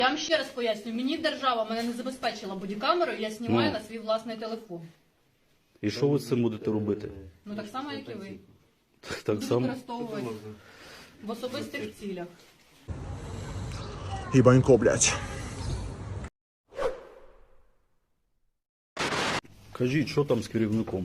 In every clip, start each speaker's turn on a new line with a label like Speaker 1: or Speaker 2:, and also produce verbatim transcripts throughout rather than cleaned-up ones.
Speaker 1: Я вам ще раз поясню, мені держава мене не забезпечила бодікамерою, я знімаю
Speaker 2: Ну.
Speaker 1: на свій власний телефон.
Speaker 2: І що ви з цим будете робити?
Speaker 1: Ну так само, як і ви.
Speaker 2: Так, так
Speaker 1: Буду
Speaker 2: само.
Speaker 1: використовувати в особистих цілях.
Speaker 3: Ебанько, блядь.
Speaker 2: Кажіть, що там з керівником?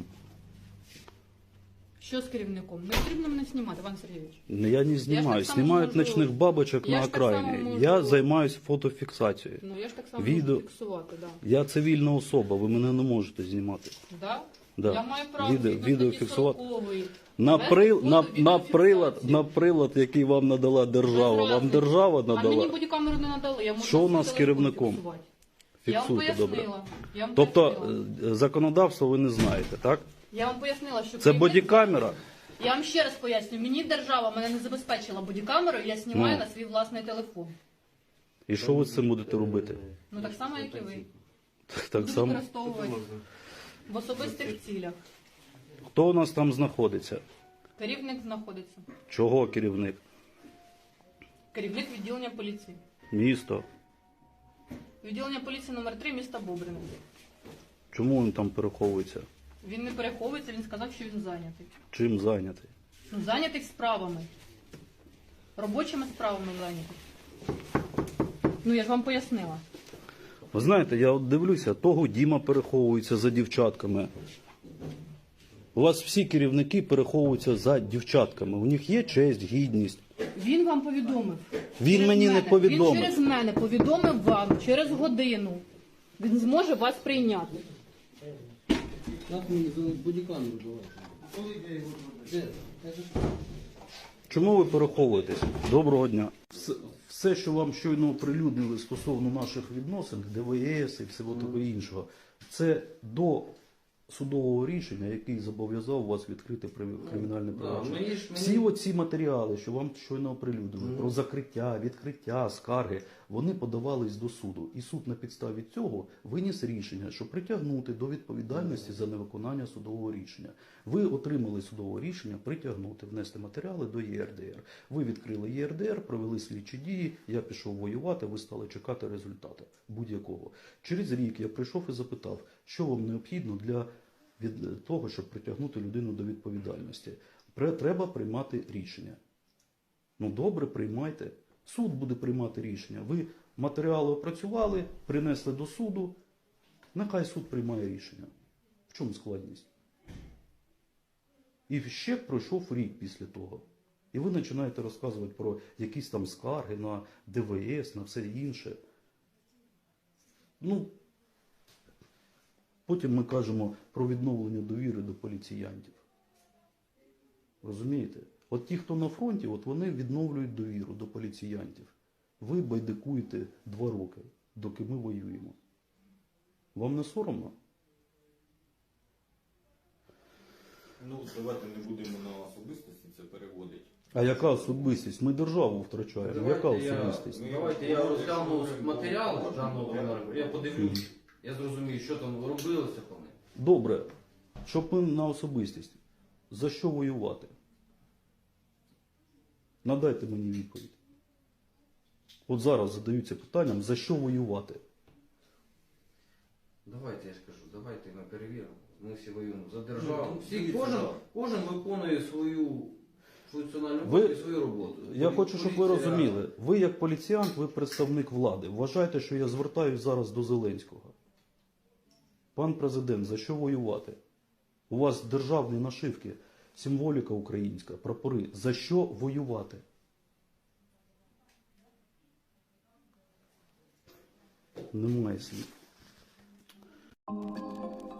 Speaker 1: Що з керівником? Не потрібно мене знімати, Іван Сергійович.
Speaker 2: Я не знімаю.
Speaker 1: так само
Speaker 2: Знімають
Speaker 1: можу-
Speaker 2: ночних бабочок
Speaker 1: Я
Speaker 2: на
Speaker 1: ж так само
Speaker 2: окраїні.
Speaker 1: можу-
Speaker 2: Я займаюся фотофіксацією.
Speaker 1: Ну я ж так само
Speaker 2: Відео-
Speaker 1: можу фіксувати, да.
Speaker 2: Я цивільна особа, ви мене не можете знімати.
Speaker 1: Да?
Speaker 2: Да.
Speaker 1: Я маю право
Speaker 2: Відео-
Speaker 1: згідно
Speaker 2: відео
Speaker 1: статті
Speaker 2: фіксувати.
Speaker 1: сорокової.
Speaker 2: На,
Speaker 1: Вести
Speaker 2: при,
Speaker 1: фото-
Speaker 2: на, на,
Speaker 1: відеофіксацію.
Speaker 2: прилад, на прилад, який вам надала держава,
Speaker 1: Без
Speaker 2: вам
Speaker 1: разниці.
Speaker 2: держава
Speaker 1: А мені
Speaker 2: надала.
Speaker 1: бодікамеру не надали. Я можу
Speaker 2: Що у
Speaker 1: на
Speaker 2: нас
Speaker 1: свій
Speaker 2: з
Speaker 1: телефон
Speaker 2: керівником?
Speaker 1: фіксувати. Я вам
Speaker 2: Фіксуйте, добре.
Speaker 1: пояснила. Я вам
Speaker 2: Тобто
Speaker 1: пояснила.
Speaker 2: е, законодавство ви не знаєте, так?
Speaker 1: Я вам пояснила, що
Speaker 2: Це
Speaker 1: керівник-
Speaker 2: бодікамера.
Speaker 1: Я вам ще раз поясню, мені держава мене не забезпечила бодікамерою, я знімаю
Speaker 2: Ну.
Speaker 1: на свій власний телефон.
Speaker 2: І що ви з цим будете робити?
Speaker 1: Ну так само, як і ви.
Speaker 2: Так, так
Speaker 1: Буду
Speaker 2: само.
Speaker 1: використовувати в особистих цілях.
Speaker 2: Хто у нас там знаходиться?
Speaker 1: Керівник знаходиться.
Speaker 2: Чого керівник?
Speaker 1: Керівник відділення поліції.
Speaker 2: Місто.
Speaker 1: Відділення поліції номер три міста Бобрин.
Speaker 2: Чому він там переховується?
Speaker 1: Він не переховується, він сказав, що він зайнятий.
Speaker 2: Чим зайнятий?
Speaker 1: Ну, зайнятий справами. Робочими справами зайнятий. Ну, я ж вам пояснила.
Speaker 2: Ви знаєте, я от дивлюся, того Діма переховується за дівчатками. У вас всі керівники переховуються за дівчатками. У них є честь, гідність.
Speaker 1: Він вам повідомив.
Speaker 2: Він
Speaker 1: Через
Speaker 2: мені не
Speaker 1: мене.
Speaker 2: повідомив.
Speaker 1: Він через мене повідомив вам через годину. Він зможе вас прийняти.
Speaker 4: Як мені бодікамеру давати? Де?
Speaker 2: Чому ви переховуєтесь? Доброго дня. Все, все, що вам щойно оприлюднили стосовно наших відносин, ДВС і всього того іншого, це до судового рішення, який зобов'язав вас відкрити при- кримінальне
Speaker 4: Да,
Speaker 2: провадження.
Speaker 4: мені ж- мені-
Speaker 2: Всі оці матеріали, що вам щойно оприлюднили, про закриття, відкриття, скарги, вони подавались до суду. І суд на підставі цього виніс рішення, що притягнути до відповідальності за невиконання судового рішення. Ви отримали судове рішення притягнути, внести матеріали до Є Ер Де Ер. Ви відкрили Є Ер Де Ер, провели слідчі дії, я пішов воювати, ви стали чекати результату будь-якого. Через рік я прийшов і запитав, що вам необхідно для від того, щоб притягнути людину до відповідальності. Пре- Треба приймати рішення. Ну добре, приймайте. Суд буде приймати рішення. Ви матеріали опрацювали, принесли до суду. Нехай суд приймає рішення. В чому складність? І ще пройшов рік після того. І ви починаєте розказувати про якісь там скарги на Де Ве Ес, на все інше. Ну, потім ми кажемо про відновлення довіри до поліціянтів. Розумієте? От ті, хто на фронті, от вони відновлюють довіру до поліціянтів. Ви байдикуєте два роки, доки ми воюємо. Вам не соромно?
Speaker 5: Ну, давайте не будемо на особистості це переводити.
Speaker 2: А яка особистість? Ми державу втрачаємо. Яка
Speaker 4: Давайте я-
Speaker 2: особистість?
Speaker 4: Давайте я розгляну матеріали даного кримінального, я подивлюсь, я зрозумію, що там робилося по ним.
Speaker 2: Добре, щоб ми на особистість. За що воювати? Надайте мені відповідь. От зараз задаються питанням, за що воювати?
Speaker 4: Давайте я ж кажу, давайте ми перевіримо. Ми всі воюємо за державу.
Speaker 5: Ну,
Speaker 4: Всі,
Speaker 5: дивіться,
Speaker 4: кожен,
Speaker 5: да.
Speaker 4: кожен виконує свою функціональну
Speaker 2: Ви-
Speaker 4: роботу і свою роботу.
Speaker 2: Я
Speaker 4: Полі-
Speaker 2: хочу, щоб ви
Speaker 4: поліція-
Speaker 2: розуміли. Ви як поліціянт, ви представник влади. Вважайте, що я звертаюсь зараз до Зеленського. Пан президент, за що воювати? У вас державні нашивки, символіка українська, прапори. За що воювати? Немає слів.